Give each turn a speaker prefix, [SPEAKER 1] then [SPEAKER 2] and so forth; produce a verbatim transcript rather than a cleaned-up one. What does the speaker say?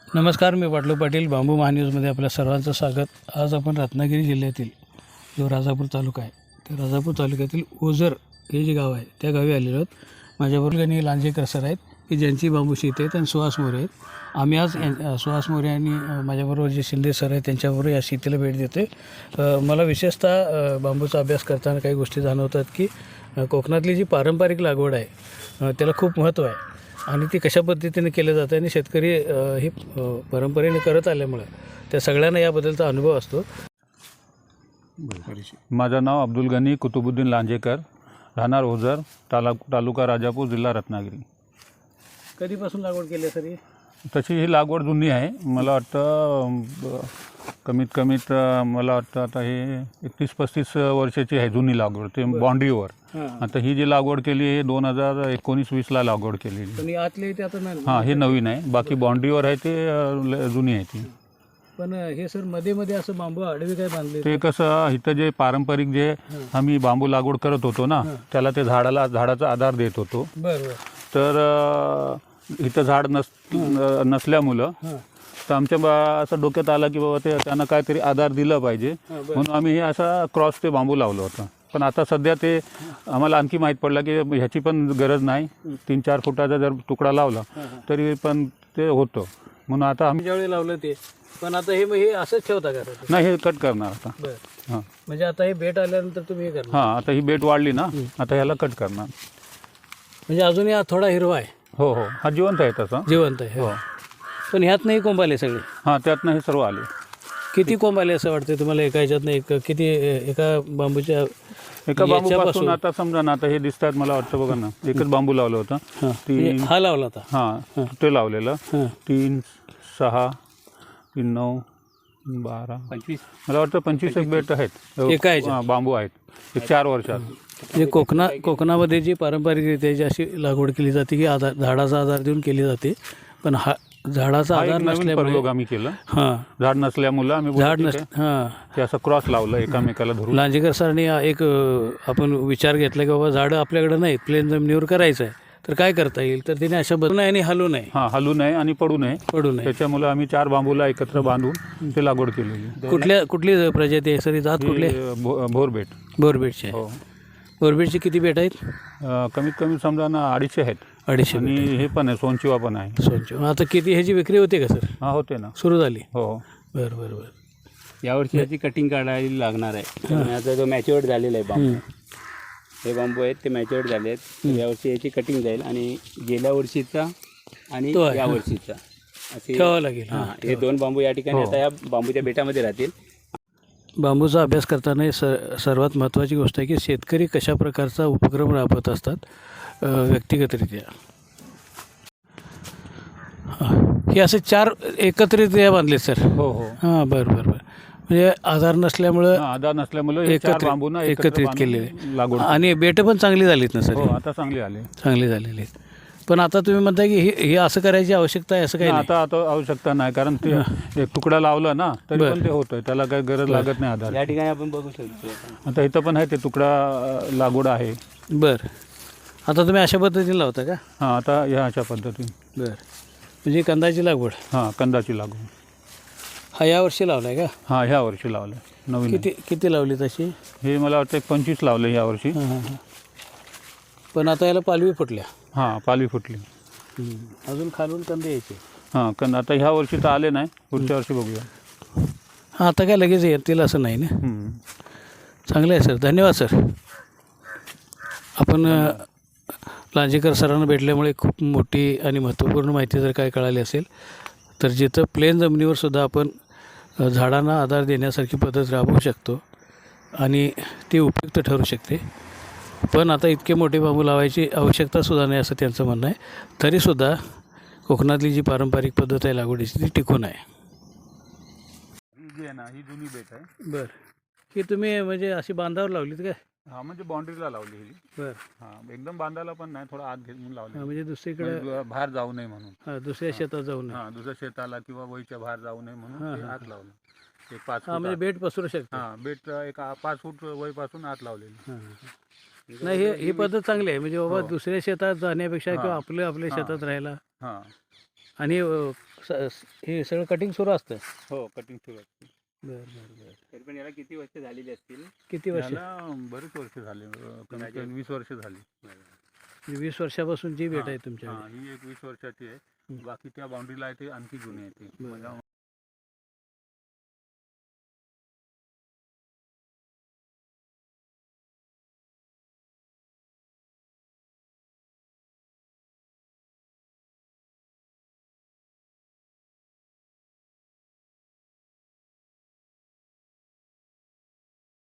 [SPEAKER 1] नमस्कार, मी पाटलू पाटील. बांबू महान्यूजमध्ये आपल्या सर्वांचं स्वागत. आज आपण रत्नागिरी जिल्ह्यातील जो राजापूर तालुका आहे त्या राजापूर तालुक्यातील ओझर हे जे गाव आहे त्या गावी आलेलो आहोत. माझ्याबरोबर गणी लांजेकर सर आहेत की ज्यांची बांबू शेती आहेत आणि सुहास मोरे आहेत. आम्ही आज सुहास मोरे आणि माझ्याबरोबर जे शिंदे सर आहेत त्यांच्याबरोबर या शेतीला भेट देते. मला विशेषतः बांबूचा अभ्यास करताना काही गोष्टी जाणवतात की कोकणातली जी पारंपरिक लागवड आहे त्याला खूप महत्त्व आहे आणि ती कशा पद्धतीने केलं जातं आणि शेतकरी ही परंपरेने करत आल्यामुळं त्या सगळ्यांना याबद्दलचा अनुभव असतो.
[SPEAKER 2] माझं नाव अब्दुल गनी कुतुबुद्दीन लांजेकर, राहणार ओझर, ताला तालुका राजापूर, जिल्हा रत्नागिरी.
[SPEAKER 1] कधीपासून लागवड केली सर?
[SPEAKER 2] तशी ही लागवड जुनी आहे. मला वाटतं कमीत कमीत मला वाटतं आता हे एकतीस पस्तीस वर्षाची आहे जुनी लागवड, ते बाँड्रीवर. आता ही जी लागवड केली आहे दोन हजार एकोणीस वीसला लागवड केलेली.
[SPEAKER 1] आतले ते आता नाही.
[SPEAKER 2] हां, हे नवीन आहे. बाकी बाँड्रीवर आहे ते जुनी आहे ती.
[SPEAKER 1] पण हे सर मध्ये मध्ये असं बांबू आडवे काय बांधले?
[SPEAKER 2] ते कसं इथं जे पारंपरिक जे आम्ही बांबू लागवड करत होतो ना त्याला ते झाडाला झाडाचा आधार देत होतो.
[SPEAKER 1] बरोबर.
[SPEAKER 2] तर इथं झाड नस नसल्यामुळं तर आमच्या बा असं डोक्यात आलं की बाबा ते त्यांना काहीतरी आधार दिलं पाहिजे म्हणून आम्ही हे असा क्रॉस ते बांबू लावलं होतं. पण आता सध्या ते आम्हाला आणखी माहीत पडलं की ह्याची पण गरज नाही. तीन चार फुटाचा जर तुकडा लावला तरी पण ते होतं. म्हणून आता आम्ही
[SPEAKER 1] ज्यावेळी लावलं ते पण आता हे हे असंच ठेवता का?
[SPEAKER 2] नाही, हे कट करणार आता.
[SPEAKER 1] बरं.
[SPEAKER 2] हां,
[SPEAKER 1] म्हणजे आता हे बेट आल्यानंतर तुम्ही हे करणार?
[SPEAKER 2] हां, आता ही बेट वाढली ना आता ह्याला कट करणार.
[SPEAKER 1] म्हणजे अजूनही हा थोडा हिरवा आहे?
[SPEAKER 2] हो हो, हा जिवंत आहे तसा.
[SPEAKER 1] जिवंत आहे.
[SPEAKER 2] हो.
[SPEAKER 1] पण ह्यात नाही कोंब आले सगळे?
[SPEAKER 2] हां, त्यातनं हे सर्व आले.
[SPEAKER 1] किती कोंब आले असं वाटतं तुम्हाला एका ह्याच्यातनं? एक किती एका बांबूच्या
[SPEAKER 2] एका बांबूपासून आता समजा ना आता हे दिसतात मला वाटतं बघा ना एकच बांबू लावलं होतं. तीन
[SPEAKER 1] हा लावला होता?
[SPEAKER 2] हां, ते लावलेलं. तीन सहा तीन नऊ बारा पंचवीस मला वाटतं पंचवीस एक बेट आहेत
[SPEAKER 1] एका
[SPEAKER 2] बांबू आहेत एक चार वर्षात.
[SPEAKER 1] म्हणजे कोकणा कोकणामध्ये जी पारंपरिकरित्या जी अशी लागवड केली जाते की आधार झाडाचा आधार देऊन केली जाते. पण हा झाडाचा आधार नसल्यामुळे
[SPEAKER 2] आम्ही केलं.
[SPEAKER 1] हां,
[SPEAKER 2] झाड नसल्यामुळं आम्ही
[SPEAKER 1] झाड नस हां
[SPEAKER 2] ते असं क्रॉस लावलं एकामेकाला धरून.
[SPEAKER 1] लांजेकर सरांनी एक आपण विचार घेतला की बाबा झाडं आपल्याकडे नाहीत, प्लेन जमिनीवर करायचं आहे तर काय करता येईल. तर त्याने अशा बदलू नये आणि हलू नये.
[SPEAKER 2] हां, हलू नये आणि पडू नये
[SPEAKER 1] पडू नये
[SPEAKER 2] त्याच्यामुळे आम्ही चार बांबूला एकत्र बांधून ते लागवड केलेली.
[SPEAKER 1] कुठल्या कुठली प्रजाती आहे सर? जात कुठले?
[SPEAKER 2] भोरबेट.
[SPEAKER 1] बोरबेटचे.
[SPEAKER 2] हो.
[SPEAKER 1] बोरबेटचे किती बेट आहेत?
[SPEAKER 2] कमीत कमी समजा ना अडीचशे आहेत.
[SPEAKER 1] अडीचशे.
[SPEAKER 2] आणि हे पण आहे सोनचिवा पण आहे.
[SPEAKER 1] सोनचिवा. आता किती ह्याची विक्री होते का सर?
[SPEAKER 2] हां, होते ना.
[SPEAKER 1] सुरू झाली?
[SPEAKER 2] हो.
[SPEAKER 1] बरं बरं बरं.
[SPEAKER 3] यावर्षी याची कटिंग काढायला लागणार आहे. आता जो मॅच्युअर्ड झालेला आहे बांबू, हे बांबू आहेत ते मॅच्युअर्ड झाले आहेत. यावर्षी याची कटिंग जाईल आणि गेल्या वर्षीचा आणि या वर्षीचा असे
[SPEAKER 1] ठेवावं लागेल.
[SPEAKER 3] हां, हे दोन बांबू या ठिकाणी आता या बांबूच्या बेटामध्ये राहतील.
[SPEAKER 1] बांबूचा अभ्यास करताना स सर्वात महत्त्वाची गोष्ट आहे की शेतकरी कशा प्रकारचा उपक्रम राबवत असतात व्यक्तिगतरित्या. हे असे चार एकत्रितरित्या बांधले सर?
[SPEAKER 2] हो हो.
[SPEAKER 1] हां, बरं बरं बरं. म्हणजे आधार नसल्यामुळं
[SPEAKER 2] आधार नसल्यामुळे
[SPEAKER 1] एकत्रित एकत्रित केलेले लागवड. आणि बेट पण चांगली झालीत ना सर?
[SPEAKER 2] हो, आता चांगली आले.
[SPEAKER 1] चांगली झालेली आहेत. पण आता तुम्ही म्हणताय की हे हे असं करायची आवश्यकता आहे असं काही नाही?
[SPEAKER 2] आता आता आवश्यकता नाही कारण ते एक तुकडा लावला ना तरी पण ते होतंय, त्याला काही गरज लागत नाही आधार.
[SPEAKER 3] या ठिकाणी आपण बघू शकतो.
[SPEAKER 2] आता इथं पण आहे ते तुकडा लागवड आहे.
[SPEAKER 1] बरं. आता तुम्ही अशा पद्धतीने लावता का?
[SPEAKER 2] हां, आता ह्या अशा पद्धतीने.
[SPEAKER 1] बरं. म्हणजे कंदाची लागवड?
[SPEAKER 2] हां, कंदाची लागवड.
[SPEAKER 1] हा यावर्षी लावला आहे का?
[SPEAKER 2] हां, ह्या वर्षी लावलं नवीन.
[SPEAKER 1] किती किती लावली तशी?
[SPEAKER 2] हे मला वाटतं पंचवीस लावलं ह्या वर्षी.
[SPEAKER 1] हां हां हां. पण आता याला पालवी फुटल्या?
[SPEAKER 2] हां, पालवी फुटली.
[SPEAKER 1] अजून खालून कंदे यायचे?
[SPEAKER 2] हां, कंद आता ह्या वर्षी तर आले नाही, पुढच्या वर्षी बघूया.
[SPEAKER 1] हां, आता काय लगेच येतील असं नाही ना? चांगलं आहे सर. धन्यवाद सर. आपण लांजेकर सरांना भेटल्यामुळे खूप मोठी आणि महत्त्वपूर्ण माहिती जर काय कळाली असेल तर जिथं प्लेन जमिनीवर सुद्धा आपण झाडांना आधार देण्यासारखी पद्धत राबवू शकतो आणि ती उपयुक्त ठरू शकते. पण आता इतके मोठे बांबू लावायची आवश्यकतासुद्धा नाही असं त्यांचं म्हणणं आहे. तरीसुद्धा कोकणातली जी पारंपरिक पद्धत आहे लागवडीची ती टिकून आहे.
[SPEAKER 2] ही जी आहे ना ही जुनी बेट आहे.
[SPEAKER 1] बरं. ही तुम्ही म्हणजे अशी बांधावर लावलीत काय?
[SPEAKER 2] हां, म्हणजे बाउंड्रीला लावली ही.
[SPEAKER 1] बरं.
[SPEAKER 2] हां, एकदम बांधायला पण नाही, थोडा आत घेऊन लावली.
[SPEAKER 1] म्हणजे दुसरीकडे
[SPEAKER 2] बाहेर जाऊ नये म्हणून.
[SPEAKER 1] हां, दुसऱ्या शेतात जाऊ नये.
[SPEAKER 2] हां, दुसऱ्या शेताला किंवा वहीच्या बाहेर जाऊ नये म्हणून ते आत लावलं. एक पाच
[SPEAKER 1] हां, म्हणजे बेट पसरू शकतो.
[SPEAKER 2] हां, बेट एक पाच फूट वहीपासून आत लावलेली.
[SPEAKER 1] हां. नाही, हे ही पद्धत चांगली आहे. म्हणजे बाबा दुसऱ्या शेतात जाण्यापेक्षा किंवा आपल्या आपल्या शेतात राहायला
[SPEAKER 2] हां
[SPEAKER 1] आणि स- हे सगळं कटिंग सुरू असतं.
[SPEAKER 3] हो कटिंग सुरू असते.
[SPEAKER 1] बरं बरं बरं.
[SPEAKER 3] तरी पण याला किती वर्ष झालेली असतील?
[SPEAKER 1] किती वर्ष?
[SPEAKER 2] त्याला बरेच वर्ष झाले, अं, कमीत कमी वीस वर्ष झाली.
[SPEAKER 1] म्हणजे वीस वर्षापासूनची भेट आहे तुमच्याकडे.
[SPEAKER 2] हा, ही एक वीस वर्षाची आहे. बाकी त्या बाउंड्रीला आहे ते आणखी जुनी आहे ती.